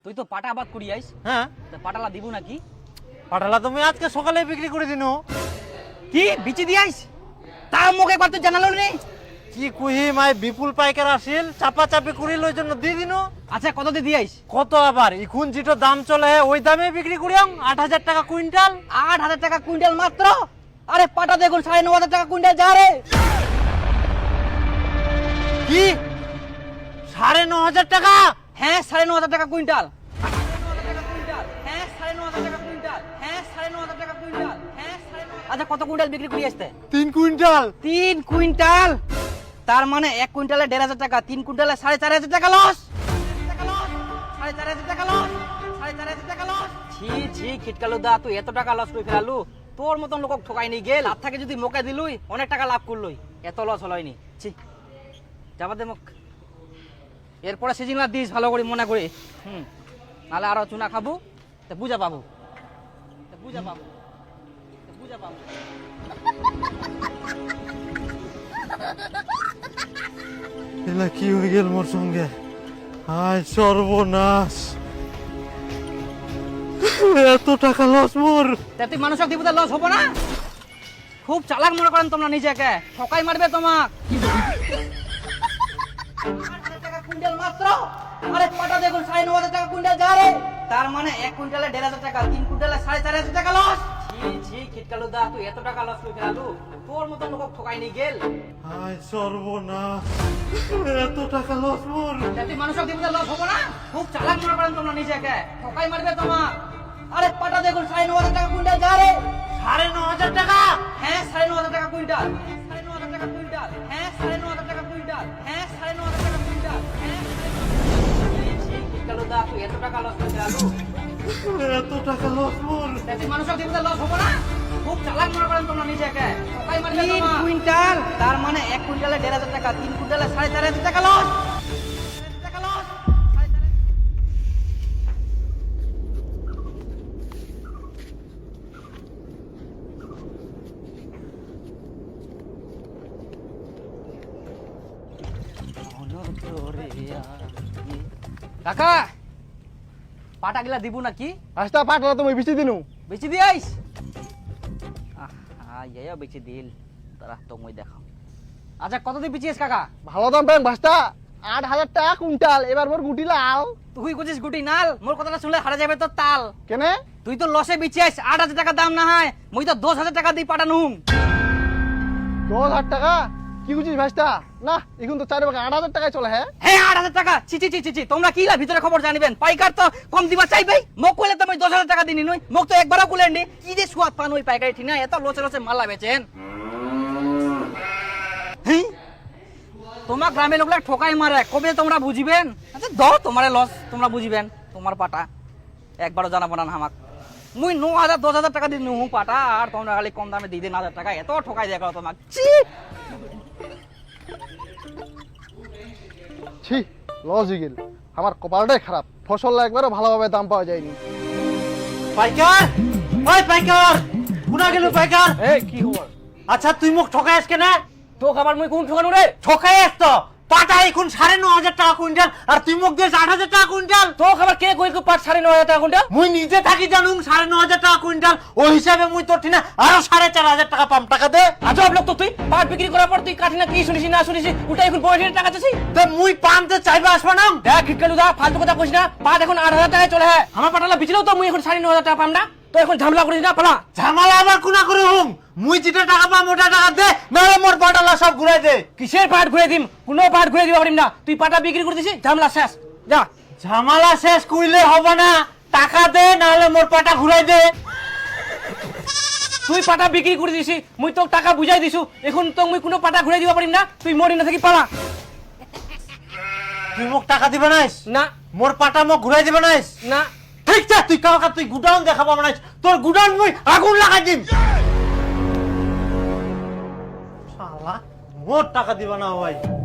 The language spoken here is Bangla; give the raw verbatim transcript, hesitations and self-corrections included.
তুই তো পাটা আবাদ করি আইস, হ্যাঁ তা পাটালা দিব নাকি? পাঠালা তুমি আজকে সকালে বিক্রি করে দিন। কি বিচি দি আইস? তা মোক একবার তুই জানালো রে। কি কুহি মাই বিপুল পাইকার আসিল চাপা চাপি করি লই জন্য দিয়ে দিন। আচ্ছা কত দিয়ে দি আইস? কত আবার এখন যেটা দাম চলে ওই দামে বিক্রি করিয়াম আট হাজার টাকা কুইন্টাল। আট হাজার টাকা কুইন্টাল মাত্র? আরে পাটা দেখুন সাড়ে ন হাজার টাকা কুইন্টাল যা রে। কি সাড়ে ন হাজার টাকা? হ্যাঁ সাড়ে ন হাজার টাকা কুইন্টাল। হ্যাঁ সাড়ে ন হাজার টাকা কুইন্টাল। হ্যাঁ সাড়ে ন হাজার টাকা কুইন্টাল। হ্যাঁ সাড়ে ন। আচ্ছা কত কুইন্টাল বিক্রি করি আসতে? তিন কুইন্টাল। তিন কুইন্টাল, তার মানে এক কুইন্টালে দেড় হাজার টাকা, তিন কুইন্টালে সাড়ে চার হাজার টাকা লস। সাড়ে চার হাজার টাকা লস। সাড়ে চার হাজার টাকা লস। ছি ছি খিটকালু দা, তুই এত টাকা লস করে ফেলালু? তোর মতন লোক ঠকাই নি গেল, আর থাকে যদি মোকে দিলুই অনেক টাকা লাভ করলুই, এত লস হলইনি। ছি যাবা দে মুখ। এরপরে সিজিংলা দিস ভালো করে মনে করে, হুম, নাহলে আরো চুনা খাবো, তা বুঝা পাবো, তা বুঝা পাবো, তা বুঝা পাবো। এলা কি হয়ে গেল মোর সঙ্গে? হায় সর্বনাশ, এত টাকা লস মোর। তা তুই মানুষক দিব লস হবো না? খুব চালাক মনে করেন তোমরা নিজেকে, ঠকাই মারবে তোমাক। কুইন্টাল মাত্র? আরে পাটা দেখুন সাড়ে ন হাজার টাকা কুইন্টাল যা রে, তার মানে এক কুইন্টালে দেড় হাজার টাকা, তিন কুইন্টালে সাড়ে চার হাজার টাকা লস। ছি ছি খিটকালু দা, তুই এত টাকা লস করে ফেলালু? তোর মতন লোক ঠকাই নি গেল। হায় সর্বনাশ, এত টাকা লস মোর। তা তুই মানুষক দিব লস হবো না? খুব চালাক মনে করেন তোমরা নিজেকে, ঠকাই মারবে তোমাক। আরে পাটা দেখুন সাড়ে ন হাজার টাকা কুইন্টাল যা রে। সাড়ে ন হাজার টাকা? হ্যাঁ সাড়ে ন হাজার টাকা কুইন্টাল। সাড়ে ন হাজার টাকা কুইন্টাল। হ্যাঁ সাড়ে ন হাজার টাকা কুইন্টাল। হ্যাঁ সাড়ে ন হাজার টাকা কুইন্টাল। হ্যাঁ দা, তুই এত টাকা লস করে ফেলালু? এত টাকা লস মোর। তা তুই মানুষক দিব লস হবো না? খুব চালাক মনে করেন তোমরা নিজেকে, ঠকাই মারবে তোমাক। তিন কুইন্টাল, তার মানে এক কুইন্টালে দেড় হাজার টাকা, তিন কুইন্টালে সাড়ে চার হাজার টাকা লস। টাকা লস। কাকা পাটা গিলা দিব নাকি? রাস্তা পাটলা তুমি বেশি দিনু বেচি দিয়াইস? আহা ইয়া বেচি দিল, তারা তুমি দেখাও। আচ্ছা কত দিয়ে বেচিস কাকা? ভালো দাম পাই ভাস্তা, আট হাজার টাকা কুইন্টাল। এবার মোর গুটি লাল। তুই কুচিস গুটি নাল, মোর কথাটা শুনলে হারা যাবে তোর তাল। কেনে? তুই তো লসে বেচিস, আট হাজার টাকা দাম না হয়, মুই তো দশ হাজার টাকা দিয়ে পাঠানুম। দশ হাজার টাকা? কি বুঝিস ভাস্তা? না এখন তো চারি ভাগে আট হাজার টাকায় চলে। হ্যাঁ হ্যাঁ আট হাজার টাকা? ছি ছি ছি ছি, তোমরা কি লা ভিতরে খবর জানিবেন? পাইকার তো কম দিবা চাইবেই। মোক কইলে তো মই দশ হাজার টাকা দিনি নই, মোক তো একবারও কুলেন নি। কি যে সুয়াদ পান ওই পাইকারি ঠিক না, এত লসে লসে মালা বেচেন। হ্যাঁ তোমার গ্রামের লোকরা ঠকাই মারে, কবে তোমরা বুঝিবেন? আচ্ছা দাও তোমারে লস, তোমরা বুঝিবেন। তোমার পাটা একবারও জানাবো না আমাক। মুই ন হাজার দশ হাজার টাকা দিন নুহু পাটা, আর তোমরা খালি কম দামে দিয়ে দিন হাজার টাকা, এত ঠকাই দেয় করো তোমাক। ছি ছি, লস হয়ে গেল। আমার কপালটাই খারাপ, ফসল একবারও ভালোভাবে দাম পাওয়া যায়নি। পাইকার, ওই পাইকার, কোনা গেল পাইকার? এই কি খবর? আচ্ছা তুই মোক ঠকাই আস কেন? তো খাবার মুই কোন ঠকানো রে? ঠকাই আস তো। পাটা এখন সাড়ে ন হাজার টাকা কুইন্টাল, আর তুই মোক দিস আট হাজার টাকা কুইন্টাল। তো খাবার কে কই পাট সাড়ে ন হাজার টাকা কুইন্টাল? মুই নিজে থাকি জানুম সাড়ে ন হাজার টাকা কুইন্টাল, ওই হিসাবে মুই তোর ঠিনা আরো সাড়ে চার হাজার টাকা পাম। টাকা দে। আজব লোক তো তুই, পাট বিক্রি করার পর তুই কাঠি না কি শুনিস না শুনিস, ওটা এখন পয়সা টাকা চাচ্ছিস। তো মুই পামতে চাইবে আসবা না? দেখ খিটকালু দা, ফালতু কথা কইস না। পাট এখন আট হাজার টাকায় চলে। হ্যাঁ আমার পাটালা বিচিলেও তো মুই এখন সাড়ে ন হাজার টাকা পাম না। তো এখন ঝামেলা করিস না, পালা। ঝামেলা আবার কোনা করে হুম? মুই যেটা টাকা পাম ওটা টাকা দে, নাহলে মোর পাটালা সব ঘুরাই দে। কিসের পাট ঘুরে দিম? কোনো পাট ঘুরে দিবা পারিম না। তুই পাটা বিক্রি করে দিছিস, ঝামেলা শেষ, যা। ঝামেলা শেষ কইলে হবে না, টাকা দে নাহলে মোর পাটা ঘুরাই দে। তুই পাটা বিক্রি করে দিছিস, মুই তোর টাকা বুঝাই দিছু, এখন তো মুই কোনো পাটা ঘুরে দিবা পারিম না। তুই মরি না থাকি পালা। তুই মোক টাকা দিবে নাইস? না মোর পাটা মোক ঘুরাই দিবে নাইস? না। ঠিক আছে তুই কাকা, তুই গুডাউন দেখাবো নাইস, তোর গুডাউন মুই আগুন লাগাই দিম। শালা মোর টাকা দিবা না ভাই।